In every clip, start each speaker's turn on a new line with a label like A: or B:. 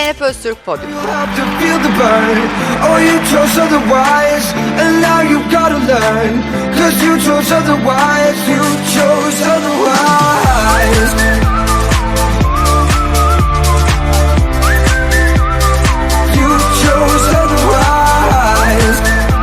A: Zeynep Öztürk Podyum.
B: You have to feel the burn, or you chose otherwise, and now you gotta learn, 'cause you chose otherwise, you chose otherwise. You chose otherwise.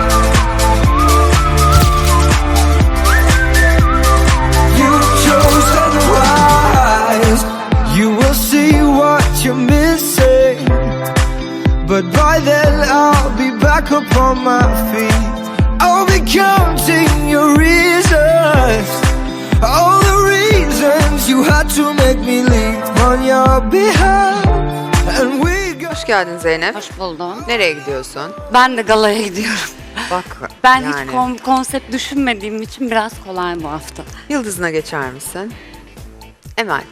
B: You chose otherwise. You will see what you're missing, but by then I'll be back up on my feet. I'll be counting your reasons, all the reasons you had to make me leave on your behalf. And we got...
A: Hoş geldin Zeynep.
C: Hoş buldum.
A: Nereye gidiyorsun?
C: Ben de galaya gidiyorum.
A: Bak
C: Ben
A: yani.
C: hiç konsept düşünmediğim için biraz kolay bu hafta.
A: Yıldızına geçer misin? Emel.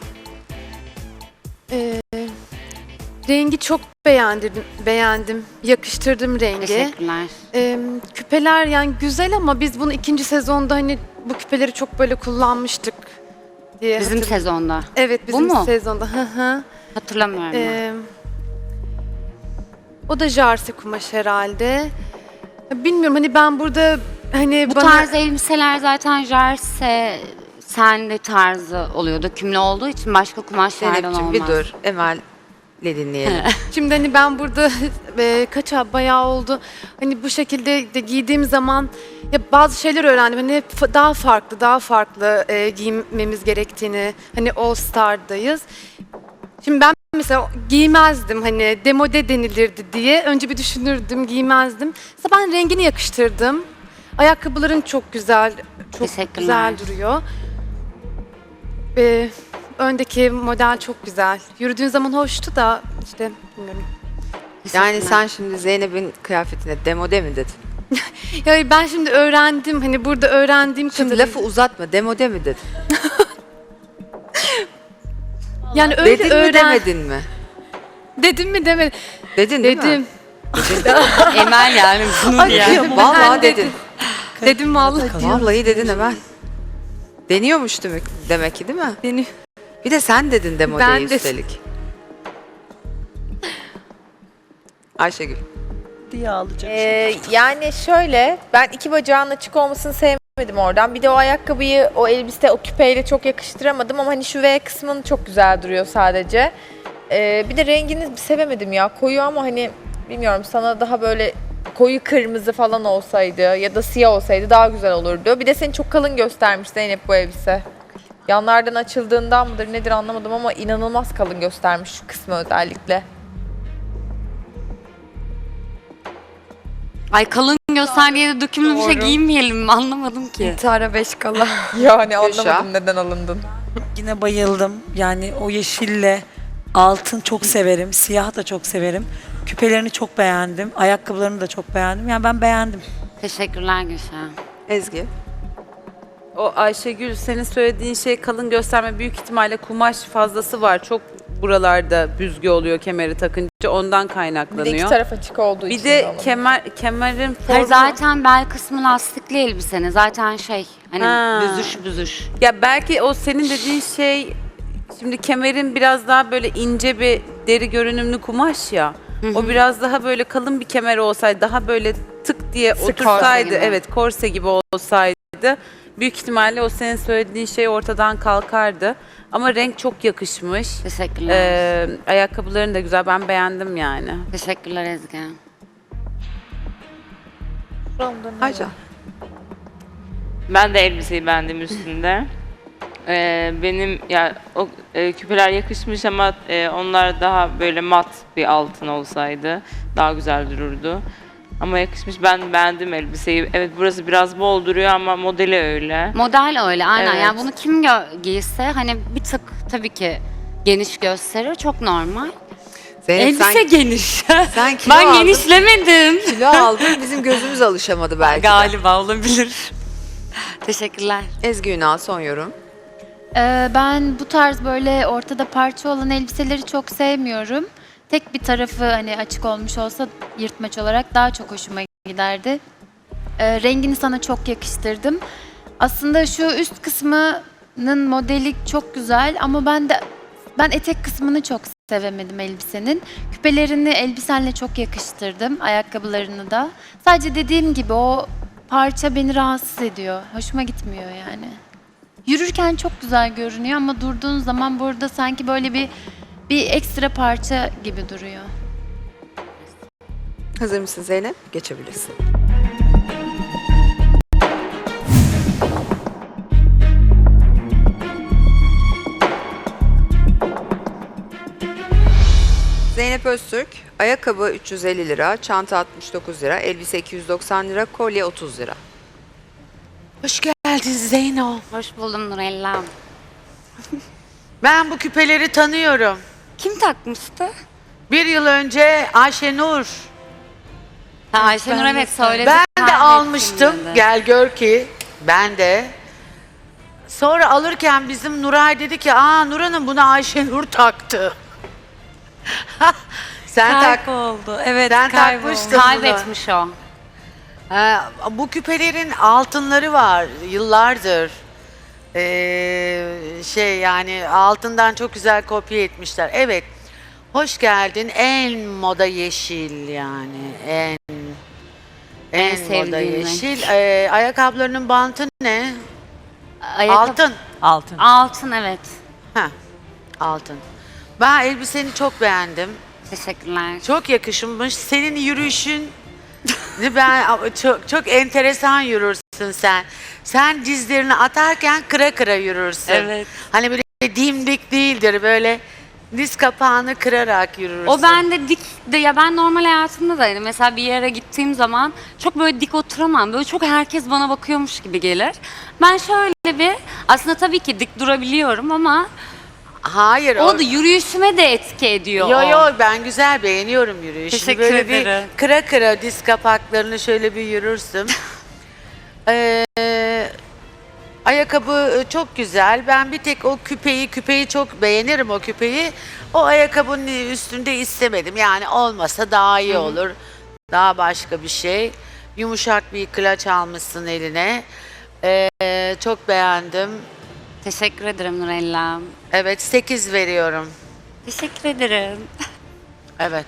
D: Rengi çok beğendim. Yakıştırdım rengi.
C: Teşekkürler.
D: Küpeler yani güzel ama biz bunu ikinci sezonda hani bu küpeleri çok böyle kullanmıştık diye
C: Bizim
D: hatırlıyorum.
C: sezonda.
D: Evet, bizim
C: Bu mu?
D: sezonda. Hı hı.
C: Hatırlamıyorum. ben.
D: O da jarse kumaş herhalde. Bilmiyorum hani ben burada hani
C: Bu
D: bana
C: tarz elbiseler zaten jarse sende tarzı oluyor. Dökümlü olduğu için başka kumaşlardan
A: Zeynep'ciğim
C: olmaz.
A: bir dur. Emel'le dinleyelim.
D: şimdi hani ben burada bayağı oldu. Hani bu şekilde de giydiğim zaman ya bazı şeyler öğrendim. Hani hep daha farklı giymemiz gerektiğini. Hani All Star'dayız. Şimdi ben mesela giymezdim hani demode denilirdi diye. Önce bir düşünürdüm, giymezdim. Mesela ben rengini yakıştırdım. Ayakkabıların çok güzel, çok
C: Teşekkürler.
D: güzel duruyor. Öndeki model çok güzel. Yürüdüğün zaman hoştu da işte bilmiyorum.
A: Yani
C: Teşekkürler.
A: sen şimdi Zeynep'in kıyafetine demode mi dedin?
D: Ya ben şimdi öğrendim hani burada öğrendiğim
A: Şimdi
D: kadarıyla.
A: lafı uzatma, demode mi dedin?
D: Yani öyle
A: Dedin mi demedin mi?
D: Dedim mi demedim.
A: Dedin değil mi?
D: Dedim.
C: Emel yani bunu
D: Ay,
C: diye.
D: kıyamam.
A: Vallahi
D: Ben
A: dedin.
D: Dedim vallahi.
A: Vallahi dedin Emel. Deniyormuş demek ki değil mi?
D: Beni
A: Bir de sen dedin demodeyi
D: Ben de-
A: üstelik. Ayşegül.
E: diye alacak.
F: Yani şöyle, ben iki bacağın açık olmasını sevmedim oradan. Bir de o ayakkabıyı, o elbise, o küpeyle çok yakıştıramadım ama hani şu V kısmın çok güzel duruyor sadece. Bir de rengini sevemedim ya. Koyu ama hani bilmiyorum sana daha böyle koyu kırmızı falan olsaydı ya da siyah olsaydı daha güzel olurdu. Bir de seni çok kalın göstermiş Zeynep bu elbise. Yanlardan açıldığından mıdır nedir anlamadım ama inanılmaz kalın göstermiş şu kısmı özellikle.
C: Ay kalın göster diye de dökümlü bir şey giymeyelim mi? Anlamadım ki.
D: İntihara 5 kala.
F: Yani
A: Gülşah.
F: anlamadım neden alındın.
E: Yine bayıldım. Yani o yeşille altın çok severim. Siyah da çok severim. Küpelerini çok beğendim. Ayakkabılarını da çok beğendim. Yani ben beğendim.
C: Teşekkürler Gülşah.
A: Ezgi.
G: O Ayşegül senin söylediğin şey kalın gösterme büyük ihtimalle kumaş fazlası var. Çok buralarda büzgü oluyor kemeri takınca ondan
F: Bir de iki
G: kaynaklanıyor.
F: taraf açık olduğu
G: Bir
F: için
G: de
F: olabilir.
G: kemerin
C: Hayır,
G: formu.
C: zaten bel kısmı lastikli elbisenin. Zaten şey hani
G: Ha.
C: büzüş.
G: Ya belki o senin dediğin şey şimdi kemerin biraz daha böyle ince bir deri görünümlü kumaş ya. O biraz daha böyle kalın bir kemer olsaydı daha böyle tık diye
C: korse
G: otursaydı
C: gibi.
G: evet korse gibi olsaydı büyük ihtimalle o senin söylediğin şey ortadan kalkardı. Ama renk çok yakışmış.
C: Teşekkürler.
G: Ayakkabıların da güzel. Ben beğendim yani.
C: Teşekkürler Ezgi.
A: Ayça.
H: Ben de elbiseyi beğendim üstünde. Benim ya o küpeler yakışmış ama onlar daha böyle mat bir altın olsaydı daha güzel dururdu. Ama yakışmış. Ben beğendim elbiseyi. Evet burası biraz bol duruyor ama modeli öyle.
C: Model öyle aynen.
H: Evet.
C: Yani bunu kim giyse hani bir tık tabii ki geniş gösterir. Çok normal.
A: Zeynep
C: Elbise
A: sen,
C: geniş.
A: sen kilo
C: Ben
A: aldın.
C: genişlemedim.
A: Kilo aldın. Bizim gözümüz alışamadı belki de.
C: Galiba olabilir. Teşekkürler.
A: Ezgi Ünal son yorum.
I: Ben bu tarz böyle ortada parça olan elbiseleri çok sevmiyorum. Tek bir tarafı hani açık olmuş olsa yırtmaç olarak daha çok hoşuma giderdi. Rengini sana çok yakıştırdım. Aslında şu üst kısmının modeli çok güzel ama ben etek kısmını çok sevemedim elbisenin. Küpelerini elbisenle çok yakıştırdım, ayakkabılarını da. Sadece dediğim gibi o parça beni rahatsız ediyor. Hoşuma gitmiyor yani. Yürürken çok güzel görünüyor ama durduğun zaman burada sanki böyle bir ekstra parça gibi duruyor.
A: Hazır mısın Zeynep? Geçebilirsin. Zeynep Öztürk, ayakkabı 350 lira, çanta 69 lira, elbise 290 lira, kolye 30 lira.
J: Hoş geldin Zeyno.
C: Hoş buldum Nurella.
J: Ben bu küpeleri tanıyorum.
C: Kim takmıştı?
J: Bir yıl önce Ayşenur.
C: Ha, Ayşenur evet söyledi.
J: Ben de
C: Kahretsin
J: almıştım.
C: dedi.
J: Gel gör ki ben de. Sonra alırken bizim Nuray dedi ki Nur Hanım buna Ayşenur taktı. Sen tak.
E: Kayboldu. Evet,
J: Sen
E: kayboldu.
J: takmıştın bunu.
C: Kaybetmiş o.
J: Bu küpelerin altınları var yıllardır. Yani altından çok güzel kopya etmişler. Evet. Hoş geldin. En moda yeşil yani. En moda
C: sevdiğim renk.
J: yeşil. Ayakkabılarının bantı ne?
C: Ayakkabı-
J: Altın.
C: Altın evet.
J: Heh, altın. Ben elbiseni çok beğendim.
C: Teşekkürler.
J: Çok yakışmış. Senin yürüyüşün ben çok enteresan yürürsün sen. Sen dizlerini atarken kıra kıra yürürsün.
C: Evet.
J: Hani böyle dimdik değildir böyle diz kapağını kırarak yürürsün.
C: O bende dik de ya ben normal hayatımda da hani mesela bir yere gittiğim zaman çok böyle dik oturamam. Böyle çok herkes bana bakıyormuş gibi gelir. Ben şöyle bir aslında tabii ki dik durabiliyorum ama
J: Hayır.
C: o da yürüyüşüme de etki ediyor.
J: Yo
C: o.
J: yo ben güzel beğeniyorum yürüyüşünü.
C: Teşekkür
J: böyle
C: ederim.
J: bir kıra kıra diz kapaklarını şöyle bir yürürsün. Ayakkabı çok güzel. Ben bir tek o küpeyi çok beğenirim o küpeyi. O ayakkabının üstünde istemedim. Yani olmasa daha iyi olur. Daha başka bir şey. Yumuşak bir klaç almışsın eline. Çok beğendim.
C: Teşekkür ederim Nurella.
J: Evet 8 veriyorum.
C: Teşekkür ederim.
J: Evet.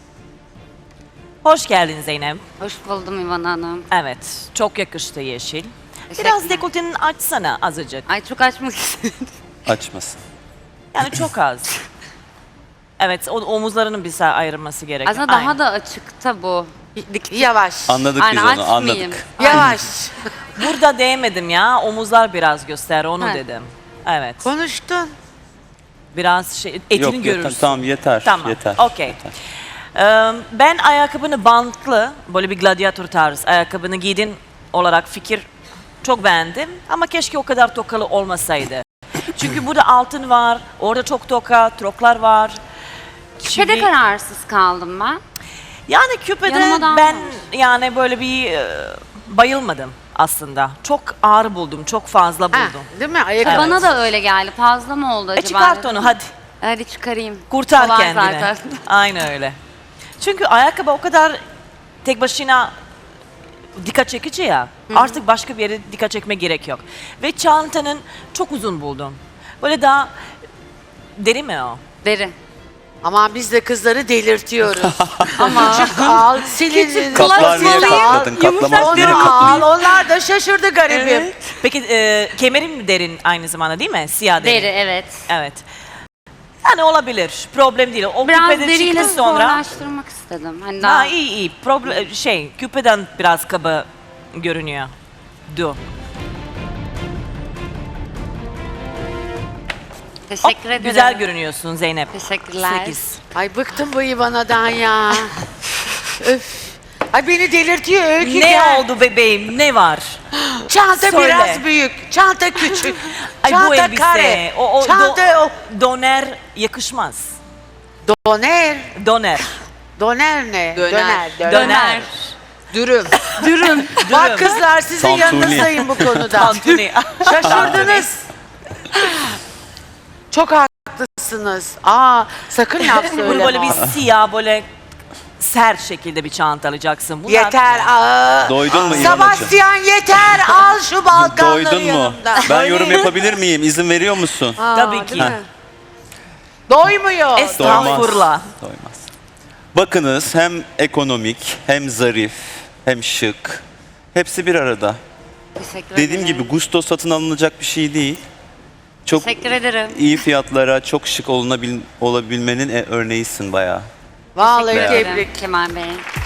K: Hoş geldin Zeynep.
C: Hoş buldum İvan Hanım.
K: Evet, çok yakıştı yeşil. Biraz
C: Teşekkürler.
K: dekolteni açsana azıcık.
C: Ay çok açmak istedim.
L: Açmasın.
K: Yani çok az. Evet, o omuzlarının bize ayrılması gerekiyor.
C: Aslında daha
K: Aynen.
C: da açıkta bu.
J: Yavaş.
L: Anladık
C: Aynen,
L: biz onu,
C: açmayayım.
L: anladık.
J: Yavaş.
K: Burada değmedim ya, omuzlar biraz göster, onu
C: Ha.
K: dedim. Evet,
J: Konuştun.
K: biraz şey, etini
L: Yok,
K: görürsün.
L: tamam yeter.
K: Tamam,
L: Yeter.
K: okey.
L: yeter.
K: Ben ayakkabını bantlı, böyle bir gladyatör tarz ayakkabını giydin olarak fikir çok beğendim. Ama keşke o kadar tokalı olmasaydı. Çünkü burada altın var, orada çok toka, troklar var.
C: Küpede kararsız kaldım ben.
K: Yani küpede
C: Yanıma da
K: ben
C: almamış.
K: yani böyle bir bayılmadım aslında. Çok ağır buldum, çok fazla
J: Ha,
K: buldum.
J: değil mi? Ayakkabı.
C: Bana da öyle geldi. Fazla mı oldu acaba?
K: Çıkart
C: dedim.
K: onu hadi,
C: Hadi çıkarayım.
K: kurtar
C: Kolay
K: kendini.
C: zaten.
K: Aynen öyle. Çünkü ayakkabı o kadar tek başına dikkat çekici ya. Artık başka bir yere dikkat çekme gerek yok. Ve çantanın çok uzun buldum. Böyle daha deri mi o?
C: Deri.
J: Ama biz de kızları delirtiyoruz. Ama küçük al, silin.
L: Kaplar niye katladın? Kaplama.
J: Onu al, onlar da şaşırdı garibim.
K: Peki kemerin mi derin aynı zamanda değil mi? Siyah deri.
C: Deri evet.
K: Evet. Yani olabilir. Problem değil. O
C: Biraz
K: küpede
C: deriyle
K: çıktı sonra.
C: zorlaştırmak istedim. Hani daha
K: Ha iyi. Problem küpeden biraz kaba görünüyor.
C: teşekkür ederim.
K: Güzel görünüyorsun Zeynep.
C: Teşekkürler.
K: 8.
J: Ay bıktım bu İvana'dan ya. Öf. Ay beni delirtiyor Öykü
K: Ne
J: gel.
K: oldu bebeğim? Ne var?
J: Çanta
K: Söyle.
J: biraz büyük, çanta küçük.
K: Ay
J: çanta
K: bu elbise.
J: kare.
K: O
J: çanta
K: doner yakışmaz.
J: doner.
K: Doner.
J: Doner ne?
A: Döner.
K: Döner.
A: Dürüm.
K: Dürüm.
J: Bak kızlar sizin
L: Tantuni.
J: yanınızdayım bu konuda.
K: Tantuni.
J: Şaşırdınız. Çok haklısınız. Sakın laf
K: Bunu
J: söyleme.
K: böyle bir siyah böyle sert şekilde bir çanta alacaksın. Bunlar-
J: Yeter.
L: Doydun mu İvanacığım?
J: Sebastian yeter. Al şu balkanları
L: Doydun mu?
J: yanımdan.
L: Ben yorum yapabilir miyim? İzin veriyor musun?
K: Tabii ki.
A: Değil mi?
J: Doymuyor.
K: Estağfurullah.
L: Doymaz. Bakınız hem ekonomik, hem zarif, hem şık. Hepsi bir arada.
C: Teşekkür
L: Dediğim
C: ederim.
L: gibi gusto satın alınacak bir şey değil. Çok
C: Teşekkür ederim.
L: iyi fiyatlara, çok şık olabilmenin örneğisin bayağı.
J: Vallahi
L: Teşekkür
C: Teşekkür
J: tebrik.
C: ederim Kemal Bey.